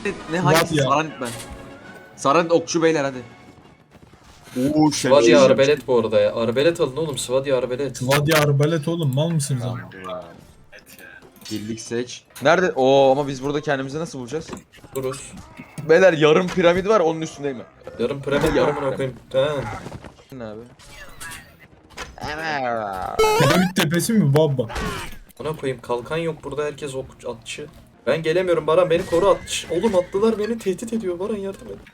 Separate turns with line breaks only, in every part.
Ne hangisi?
ya.
Saranit ben. Saranit okçu beyler hadi. Oo
Svadi arbelet bu arada ya. Arbelet alın oğlum. Svadi arbelet.
Vadi arbalet oğlum, mal mısınız ama?
Birlik seç. Nerede? Oo ama biz burada kendimizi nasıl bulacağız?
Duruz.
Beyler yarım piramit var onun üstündeyim ben.
Yarın piramit
Yarım
yarımına koyayım. Ha.
Ne abi?
Piramit tepesi mi baba?
Buna koyayım. Kalkan yok burada. Herkes atçı. Ben gelemiyorum Baran. Beni koru atçı. Oğlum atlılar beni tehdit ediyor. Baran yardım et.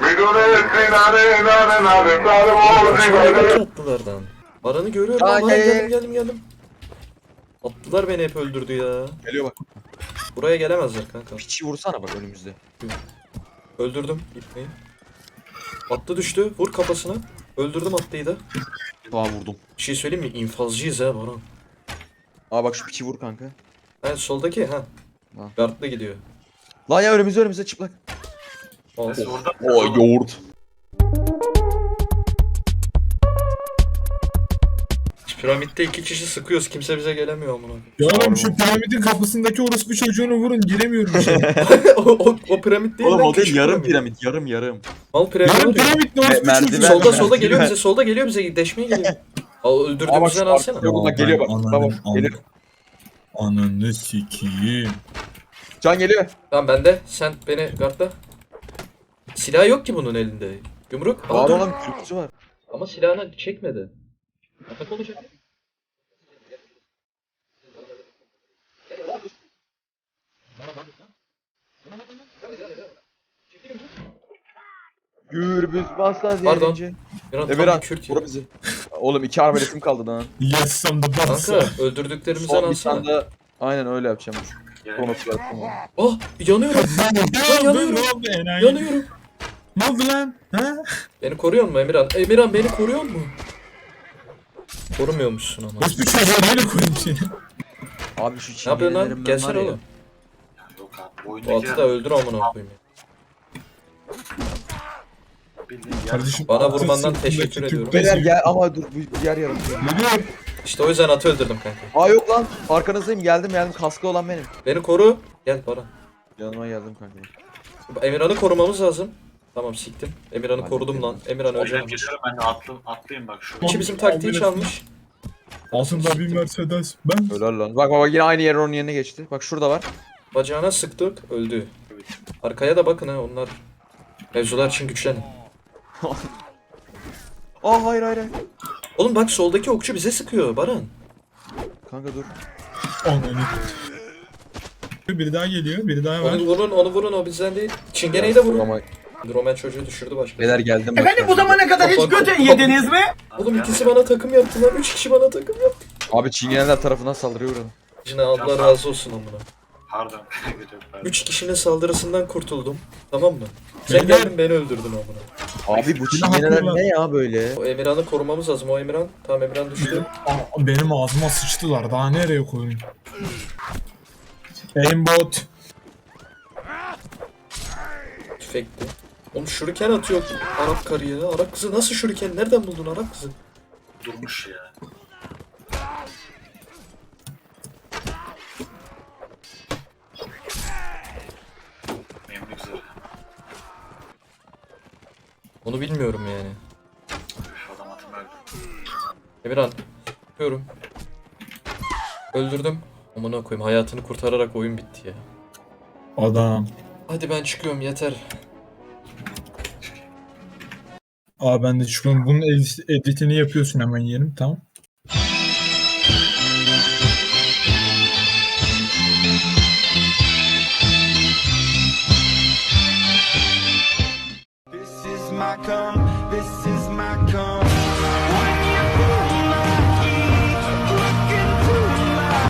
Atlılardan. Baran'ı görüyorum.
Aa,
Baran
gel.
geldim. Atlılar beni hep öldürdü ya.
Geliyor bak.
Buraya gelemezler kanka.
Piçi vursana bak önümüzde.
Öldürdüm gitmeyi. Atlı düştü. Vur kafasına. Öldürdüm atlıyı da.
Daha vurdum.
Bir şey söyleyeyim mi? İnfazcıyız ha Baran.
Aa bak şu piçi vur kanka.
Ha soldaki ha.
Ha.
Gardlı gidiyor.
Lan ya önümüzde çıplak.
Al.
Oo yoğurt.
Piramitte 2 kişi sıkıyoruz. Kimse bize gelemiyor amına.
Ya oğlum şu piramidin kapısındaki orospu çocuğunu vurun, giremiyorum içeri.
o piramit değil
Oğlum
lan,
o değil
küçük
yarım piramit yarım.
Mal piramit.
Yarın
var ya.
piramit ne orospu
merdiven-
çocuğu?
Solda geliyor
merdiven.
bize. Solda geliyor bize. Deşmeye geliyor. Al
Aa bak
öldürdüğümüzden
şu
alsana.
arkada bak geliyor bak.
Anladım,
Bak geliyor.
Ananı sikiyim.
Can geliyor.
Tamam bende. Sen beni gardla. Silah yok ki bunun elinde. Yumruk.
Var
Dur.
olan kürkçü var.
Ama silahını çekmedi. Atak olacak.
Gürbüz basla
Pardon.
diyelince.
Emirhan
Emirhan
tam bir Kürt ya.
vur bizi. Oğlum 2 arbaletim kaldı lan.
Yes I'm the boss.
Kanka öldürdüklerimizden
Son bir
alsana.
tane de aynen öyle yapacağım. Kronos yaptım.
Ah yanıyorum.
Ne
yanıyorum.
oldu enayi?
Yanıyorum.
Ne oldu lan? Ha?
Beni koruyor mu Emirhan? Emirhan beni koruyor mu? Korumuyormuşsun ama.
Orospu çocuğu neyle koyayım seni?
Abi şu
Ne yapıyorsun lan?
çingenelerimden
Gelsene
var ya.
oğlum.
Yok abi.
Bu
Oyundaki
atı da öldür amına koyayım.
bildiğin yer
Kardeşim
Bana
atın
vurmandan
sırtındaki
teşekkür
Türk
ediyorum.
Beyler
bezi-
gel ama dur bu yer yarım.
Geliyor.
İşte o yüzden atı öldürdüm kanka.
Aa yok lan arkanızdayım geldim kaskı olan benim.
Beni koru. Gel Baran.
Yanıma geldim kanka.
Emirhan'ı korumamız lazım. Tamam siktim. Emirhan'ı
Hadi
korudum lan. Emirhan
Hocam
öleceğim.
geliyorum ben de atlayayım bak şu.
İki bizim taktiği çalmış.
Altında bir Mercedes. Ben
Helal lan. Bak yine aynı yer onun yerine geçti. Bak şurada var.
Bacağına sıktık. Öldü. Arkaya da bakın ha onlar. Mevzular için güçlenin.
Aa hayır.
Oğlum bak soldaki okçu bize sıkıyor Baran.
Kanka dur.
ananı. Biri daha geliyor. Biri daha var.
Onu vurun o bizden değil. Çingeneyi de vurun.
Ama
Roman çocuğu düşürdü başka.
beyler geldim.
Efendim bu zamana kadar hiç götün yediniz mi?
Oğlum ikisi bana takım yaptılar. 3 kişi bana takım yaptı.
Abi çingeneler tarafından saldırıyor buranın.
Cine Allah razı olsun amına.
Pardon. Gidiyorum ben.
3 kişinin saldırısından kurtuldum. Tamam mı? Sen
Beyler-
geldin beni öldürdün amına.
Abi bu
Yine
çingeneler
haklılar.
ne ya böyle?
O Emirhan'ı korumamız lazım. O Emirhan. Tamam Emirhan düştü.
Benim ağzıma sıçtılar. Daha nereye koyayım? Aimbot.
Tüfekti. Oğlum şuriken atıyor Arap karı ya. Arap kızı nasıl şuriken? Nereden buldun Arap kızı?
Durmuş ya. Benim ne güzel.
Onu bilmiyorum yani.
Üf, adam atım öldü.
Emirhan. Yapıyorum. Öldürdüm. Amına koyayım hayatını kurtararak oyun bitti ya.
Adam.
Hadi ben çıkıyorum yeter.
Aa ben de çıkıyorum. Bunun editini yapıyorsun hemen yerim. Tamam.
This is my come, this is my come.